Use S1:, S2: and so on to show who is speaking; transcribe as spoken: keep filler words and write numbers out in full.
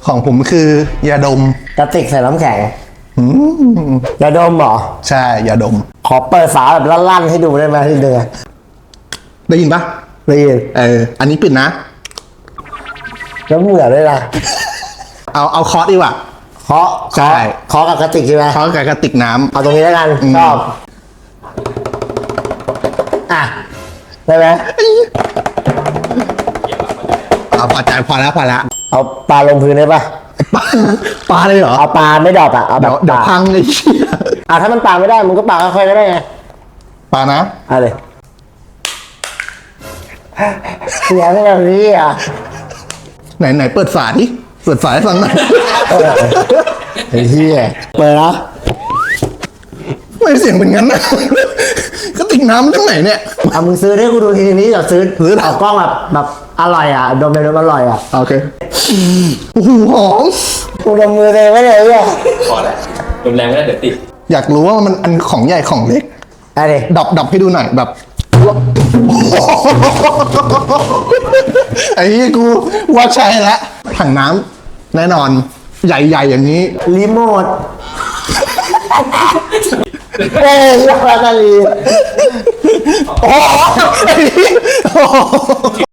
S1: ของผมคือยาดม
S2: กระติกใส่น้ำแข็ง
S1: อืม
S2: ยาดมเหรอ
S1: ใช่ยาดม
S2: ขอเปิดฝาแบบลั่นๆให้ดูได้ไหมทีเดียว
S1: ได้ยินปะ
S2: ได้ยิน
S1: เอออันนี้ปิดนะ
S2: แล้วเหมือนด้วยนะ
S1: เอาเอาเคาะดีกว่า
S2: เคาะ
S1: ใช่
S2: เคาะกับกระติกใช่ไหม
S1: เคาะกับกระติกน้ำ
S2: เอาตรงนี้แล้วกัน
S1: อืม
S2: ชอบอ่ะได้ไหม
S1: เอาพอใจพอแล้วพอแล้ว
S2: เอาปลาลงพื้นได้ปะ
S1: ปลาปลาเลยเหรอ
S2: เอาปลาไม่ดรอปอะเอาแบ
S1: เดี๋ย
S2: บ
S1: วเดี๋ยว
S2: ปลา
S1: พังไอ้เหี้ย
S2: อ่ะถ้ามันปลาไม่ได้มึงก็ปลาค่อยๆก็ได้ไง
S1: ปลานะ
S2: เอาเลยเสียงแบบนี้อ่ะ
S1: ไหนไหนเปิดฝาดิเปิดฝาให้ฟังหน่อย
S2: ไอ้เหี้ยเปิดนะ
S1: ไม่เสียงเป็นงั้นนะกระติกน้ำทั้งไหนเนี่ย
S2: เอามึงซื้อให้กูดูทีนี้เดี๋ยวซื้อ
S1: ซื้อ
S2: เอากล้องแบบแบบอร่อยอ่ะดมเลยดมอร่อยอ่ะ
S1: โอเคโอ้โหหอม
S2: กูดมมือตัวเองไม่ได้เนี่ย
S3: พอแล้วรุนแรงไม่ได้เดี๋ยวติด
S1: อยากรู้ว่ามันอันของใหญ่ของเล็ก
S2: อะไร
S1: ดับดับให้ดูหน่อยแบบ ไอ้เหี้ยกูว่าใช่แล้วถังน้ำแน่นอนใหญ่ๆอย่างนี้
S2: รีโมทเอ้ยเรียกว่าอะไร
S1: โอ้โห